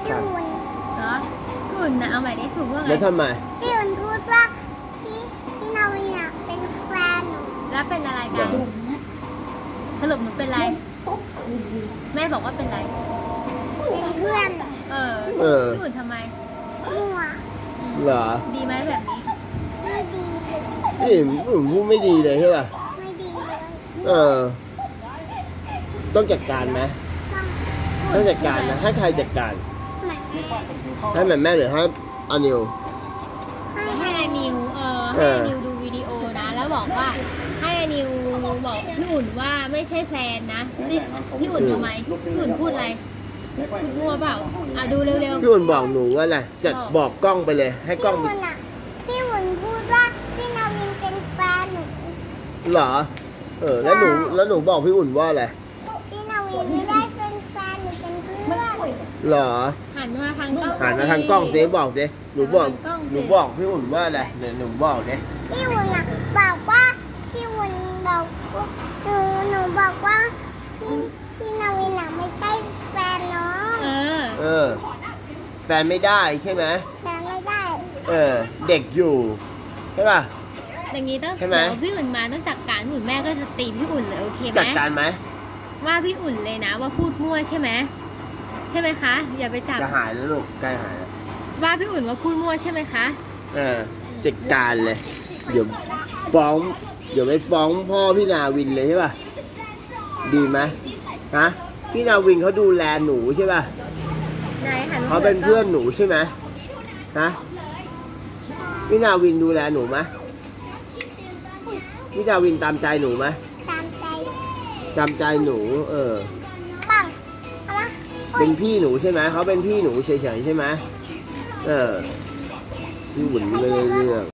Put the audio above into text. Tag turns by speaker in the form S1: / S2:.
S1: พี่อุ่น
S2: เหรอพี่อุ่นนะเอาใหม่ดิถูกว่าไง
S1: แล้วทำไม
S2: พี่อุ่นพูดว่าพี่นาวินอ่ะเป็นแฟนหนูแล้วเป็นอะไรกันสรุปหนูเป็นอะไรแม่บอกว่าเป็นอะไร
S1: เป็นเพื่อน
S2: เออพี่อุ่นทำไม
S1: มั่ว
S3: เหรอ
S2: ดีไหมแบบนี้
S1: ไม่ดีเลย
S3: นี่ผมพูดไม่ดีเลยใช่ป่ะ
S1: ไม่ดีเลย
S3: เออ ต้องจัดการไหม ต้องจัดการนะให้ใครจัดการ
S1: เหมือนแม่
S3: ให้แม่หรือให้อานิว
S2: ให้ไอนิวให้ไอนิวดูวิดีโอนะ แล้วบอกว่าให้ไอนิวบอกพี่อุ่นว่าไม่ใช่แฟนนะนี่พี่อุ่นทำไมพี่อุ่นพูดอะไรพูดมั่วเปล่าดูเร็ว
S3: พี่อุ่นบอกหนูว่าอะไรจัดบอกกล้องไปเลย ให้กล้อง
S1: พี่อุ่นอ่ะพี่อุ่นพูดว่าพี่นาวินเป็นแฟนหนู
S3: เหรอ แล้วหนูบอกพี่อุ่นว่าอะไร
S1: พี่นาวินไม่ได้เป็นแฟนหนูเป็นเพื่อน
S3: เหรอ
S2: ๆหันมาทางกล้อง
S3: หันมาทางกล้องสิบอกสิหนูบอก
S2: หันทางกล้องสิ
S3: หนูบอกพี่อุ่นว่าอะไรเดี๋ยวหนูบอกดิ
S1: พี่อุ่นอ่ะบอกว่าพี่อุ่นบอกว่าหนูบอกว่าพี่นาวินอ่ะไม่ใช่แฟนน้อง
S3: เออ แฟนไม่ได้ใช่ไหม
S1: แฟนไม่ได้
S3: เด็กอยู่ใช่ป่ะ
S2: อย่างนี้ต้อง
S3: ใช่ไหม
S2: เดี๋ยวพี่อุ่นมาต้องจัดการพี่อุ่นแม่ก็จะตีพี่อุ่นเลยโอเคไหม
S3: จัดการไหม
S2: ว่าพี่อุ่นเลยนะว่าพูดมั่วใช่ไหมใช่ไหมคะ อย่าไปจับ
S3: จะหายแล้วลูกใกล้หายแล้ว
S2: ว่าพี่อุ่นว่าพูดมั่วใช่ไหมคะ
S3: จัดการเลย เดี๋ยวฟ้อง เดี๋ยวไปฟ้องพ่อพี่นาวินเลยใช่ป่ะ ดีไหมฮะ พี่นาวินเขาดูแลหนูใช่ป่ะ
S2: ไหนหันมา
S3: เขาเป็นเพื่อนหนูใช่ไหมฮะ พี่นาวินดูแลหนูไหมพี่นาวินตามใจหนูไหม
S1: ตามใจ
S3: ตามใจหนู
S1: ปังเอามา
S3: เป็นพี่หนูใช่ไหมเขาเป็นพี่หนูเฉยๆใช่ไหมพี่หุ่นไม่ได้เรื่อง